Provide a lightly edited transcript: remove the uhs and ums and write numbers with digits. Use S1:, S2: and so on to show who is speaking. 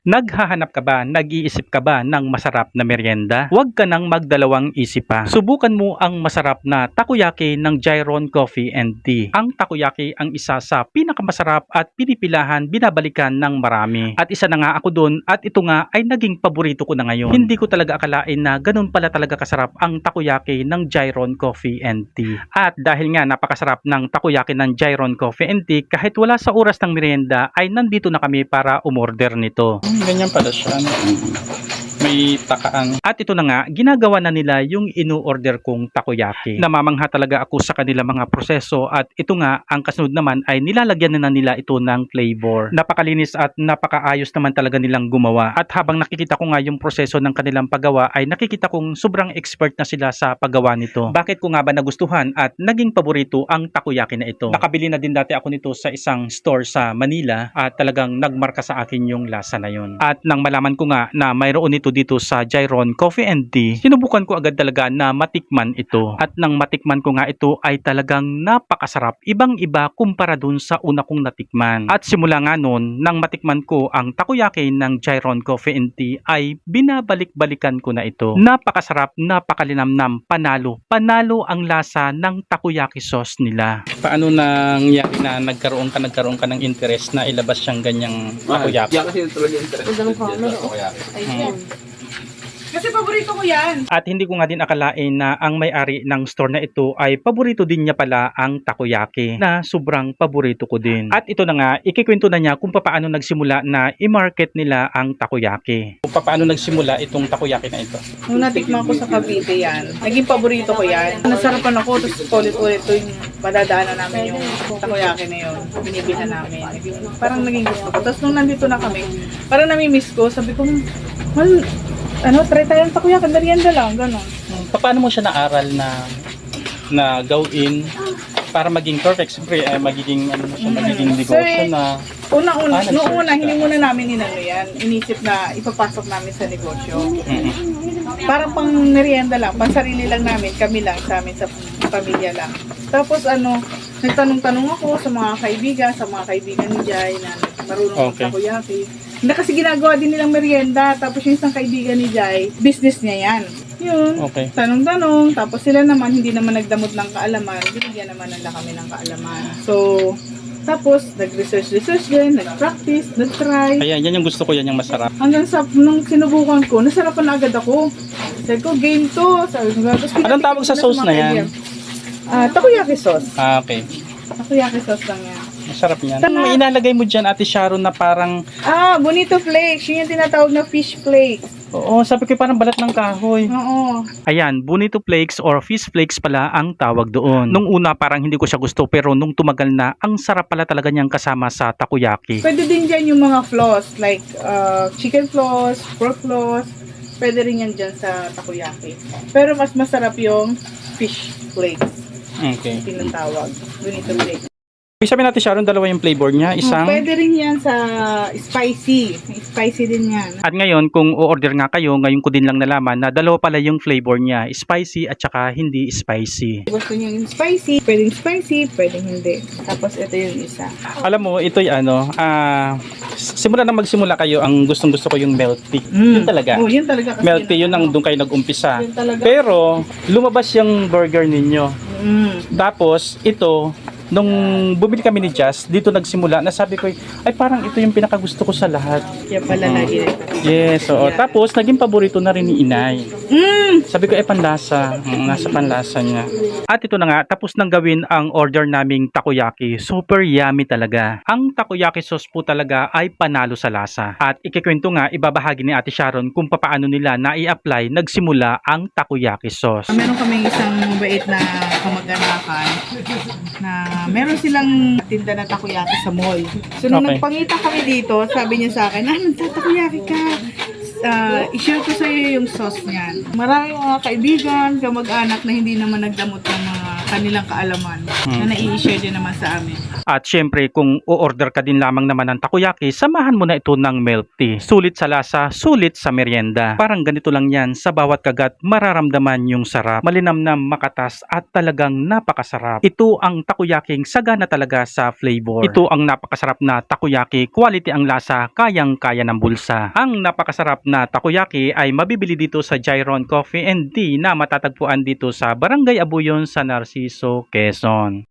S1: Naghahanap ka ba, nag-iisip ka ba ng masarap na merienda? Huwag ka nang magdalawang isip pa. Subukan mo ang masarap na takoyaki ng Gyron Coffee and Tea. Ang takoyaki ang isa sa pinakamasarap at pinipilahan, binabalikan ng marami. At isa na nga ako doon at ito nga ay naging paborito ko na ngayon. Hindi ko talaga akalain na ganun pala talaga kasarap ang takoyaki ng Gyron Coffee and Tea. At dahil nga napakasarap ng takoyaki ng Gyron Coffee and Tea, kahit wala sa oras ng merienda ay nandito na kami para umorder nito.
S2: Ganyan pala siya. May takaan.
S1: At ito na nga, ginagawa na nila yung inu-order kong takoyaki. Namamangha talaga ako sa kanila mga proseso at ito nga, ang kasunod naman ay nilalagyan na nila ito ng flavor. Napakalinis at napakaayos naman talaga nilang gumawa. At habang nakikita ko nga yung proseso ng kanilang paggawa ay nakikita kong sobrang expert na sila sa paggawa nito. Bakit ko nga ba nagustuhan at naging paborito ang takoyaki na ito? Nakabili na din dati ako nito sa isang store sa Manila at talagang nagmarka sa akin yung lasa na yun. At nang malaman ko nga na mayroon nito dito sa Gyron Coffee and Tea, sinubukan ko agad talaga na matikman ito. At nang matikman ko nga ito ay talagang napakasarap. Ibang-iba kumpara dun sa una kong natikman. At simula nga nun, nang matikman ko ang takoyaki ng Gyron Coffee and Tea ay binabalik-balikan ko na ito. Napakasarap, napakalinamnam, panalo. Panalo ang lasa ng takoyaki sauce nila.
S2: Paano nangyari na nagkaroon ka ng interest na ilabas siyang ganyang takoyaki?
S3: Yan kasi talaga yung interest.
S4: Ang
S3: ko
S4: dami
S3: dyan, takoyaki.
S4: Ayun.
S5: Kasi paborito ko yan.
S1: At hindi ko nga din akalain na ang may-ari ng store na ito ay paborito din niya pala ang takoyaki na sobrang paborito ko din. At ito na nga, ikikwento na niya kung paano nagsimula na i-market nila ang takoyaki.
S2: Kung paano nagsimula itong takoyaki na ito?
S5: Nung natikman ko sa Cavite yan, naging paborito ko yan. Nasarapan ako, tapos ulit-ulit ko yung madadaanan namin yung takoyaki na yun. Binibilhan namin. Parang naging gusto ko. Tapos nung nandito na kami, parang nami-miss ko. Sabi ko, try tayo ng takoyaki, merienda lang, gano'n.
S2: Paano mo siya naaral na gawin para maging perfect? Siyempre, magiging negosyo na.
S5: Noong una, hindi muna namin inano yan. Inisip na ipapasok namin sa negosyo. Parang pang merienda lang, pang sarili lang namin, kami lang, sa amin, sa pamilya lang. Tapos nagtanong-tanong ako sa mga kaibigan ni Jai na marunong
S2: Okay.
S5: takoyaki. Na kasi ginagawa din nilang merienda, tapos yung isang kaibigan ni Jai, business niya yan. Yun,
S2: Okay.
S5: tanong-tanong, tapos sila naman, hindi naman nagdamot ng kaalaman, binigyan naman nila kami ng kaalaman. So, tapos, nag-research din, nag-practice, nag-try.
S2: Ayan, yan yung gusto ko, yan yung masarap.
S5: Hanggang sa, nung sinubukan ko, nasarapan na agad ako. Sabi ko, game to. Sabi ko, tapos
S2: Anong tawag sa sauce na yan?
S5: Takoyaki sauce.
S2: Okay.
S5: Takoyaki sauce lang yan.
S2: Masarap niyan. May inalagay mo dyan, Ate Sharon, na parang,
S5: Bonito flakes. Yun yung tinatawag na fish flakes.
S2: oo, sabi ko parang balat ng kahoy.
S5: Oo.
S1: Ayan, bonito flakes or fish flakes pala ang tawag doon. Nung una parang hindi ko siya gusto pero nung tumagal na, ang sarap pala talaga niyang kasama sa takoyaki.
S5: Pwede din dyan yung mga floss, like chicken floss, pork floss. Pwede rin yan dyan sa takoyaki. Pero mas masarap yung fish flakes.
S2: Okay.
S5: Tinatawag. Bonito flakes.
S2: Sabi natin, Sharon, dalawa yung flavor niya. Isang,
S5: Pwede rin yan sa spicy. Spicy din yan.
S1: At ngayon, kung o-order nga kayo, ngayon ko din lang nalaman na dalawa pala yung flavor niya, spicy at saka hindi spicy.
S5: Gusto niyo yung spicy, pwedeng hindi. Tapos ito yung isa.
S2: alam mo, ito'y simula na magsimula kayo, ang gustong-gusto ko yung milk tea. Yun talaga.
S5: Oh, yun talaga kasi.
S2: Milk tea, yun ang doon kayo nag-umpisa.
S5: Yun talaga.
S2: Pero, lumabas yung burger ninyo. Tapos, ito, nung bumili kami ni Jazz, dito nagsimula, nasabi ko, ay parang ito yung pinakagusto ko sa lahat.
S5: Kaya pala lagi na ito.
S2: Yes, oo. Tapos, naging paborito na rin ni Inay. Sabi ko, panlasa. Nasa panlasa niya.
S1: At ito na nga, tapos nang gawin ang order naming takoyaki. Super yummy talaga. Ang takoyaki sauce po talaga ay panalo sa lasa. At ikikwento nga, ibabahagi ni Ate Sharon kung paano nila na i-apply nagsimula ang takoyaki sauce.
S5: Meron kaming isang mabait na kamag-anakan na meron silang tinda na takoyaki sa mall. So, nung
S2: Okay.
S5: nagpangita kami dito, sabi niya sa akin, nagtatakoyaki ka. I-share ko sa iyo yung sauce niyan. Maraming mga kaibigan, kamag-anak na hindi naman nagdamot ng mga kanilang kaalaman na nai-share din naman sa amin.
S1: At syempre, kung o-order ka din lamang naman ng takoyaki, samahan mo na ito ng milk tea. Sulit sa lasa, sulit sa merienda. Parang ganito lang yan, sa bawat kagat, mararamdaman yung sarap. Malinamnam, makatas, at talagang napakasarap. Ito ang takoyaking sagana talaga sa flavor. Ito ang napakasarap na takoyaki, quality ang lasa, kayang-kaya ng bulsa. Ang napakasarap na takoyaki ay mabibili dito sa Gyron Coffee and Tea na matatagpuan dito sa Barangay Abuyon sa Narciso, Quezon.